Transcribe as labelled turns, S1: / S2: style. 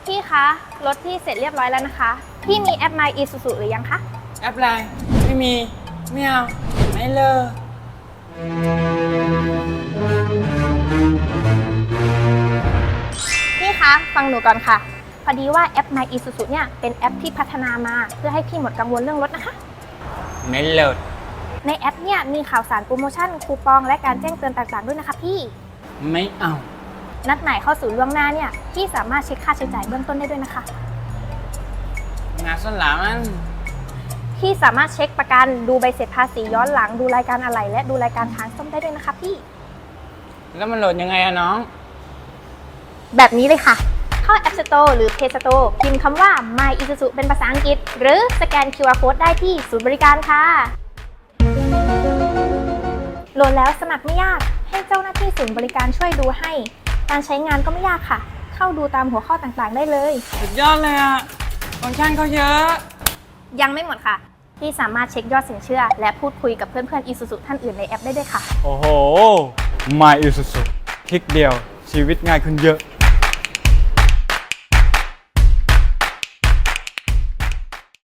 S1: พี่คะรถพี่เสร็จเรียบร้อยแล้วนะคะพี่มีแอป My Isuzu หรือยังคะ
S2: แอปอะไรไม่มีไม่เอาไม่เลิก
S1: พี่คะฟังหนูก่อนค่ะพอดีว่าแอป My Isuzu เนี่ยเป็นแอปที่พัฒนามาเพื่อให้พี่หมดกังวลเรื่องรถนะคะ
S2: ไม่เลิก
S1: ในแอปเนี่ยมีข่าวสารโปรโมชั่นคูปองและการแจ้งเตือนต่างๆด้วยนะคะพี่
S2: ไม่เอา
S1: นัดหมายเข้าสู่ล่วงหน้าเนี่ยพี่สามารถเช็คค่าใช้จ่ายเบื้องต้นได้ด้วยนะคะ
S2: งานสลามัน
S1: พี่สามารถเช็คประกันดูใบเสร็จภาษีย้อนหลังดูรายการอะไหล่และดูรายการทางซ่อมได้ด้วยนะคะพี่
S2: แล้วมันโหลดยังไงอะน้อง
S1: แบบนี้เลยค่ะเข้า App Store หรือ Play Store พิมพ์คำว่า My Isuzu เป็นภาษาอังกฤษหรือสแกน QR Code ได้ที่ศูนย์บริการค่ะโหลดแล้วสมัครไม่ยากให้เจ้าหน้าที่ศูนย์บริการช่วยดูให้การใช้งานก็ไม่ยากค่ะเข้าดูตามหัวข้อต่างๆได้เลย
S2: สุดยอดเลยอะฟังก์ชันเขาเยอะ
S1: ยังไม่หมดค่ะที่สามารถเช็คยอดสินเชื่อและพูดคุยกับเพื่อนๆ Isuzu ท่านอื่นในแอปได้ด้วยค่ะ
S3: โอ้โห My Isuzu คลิกเดียวชีวิตง่ายขึ้นเยอะ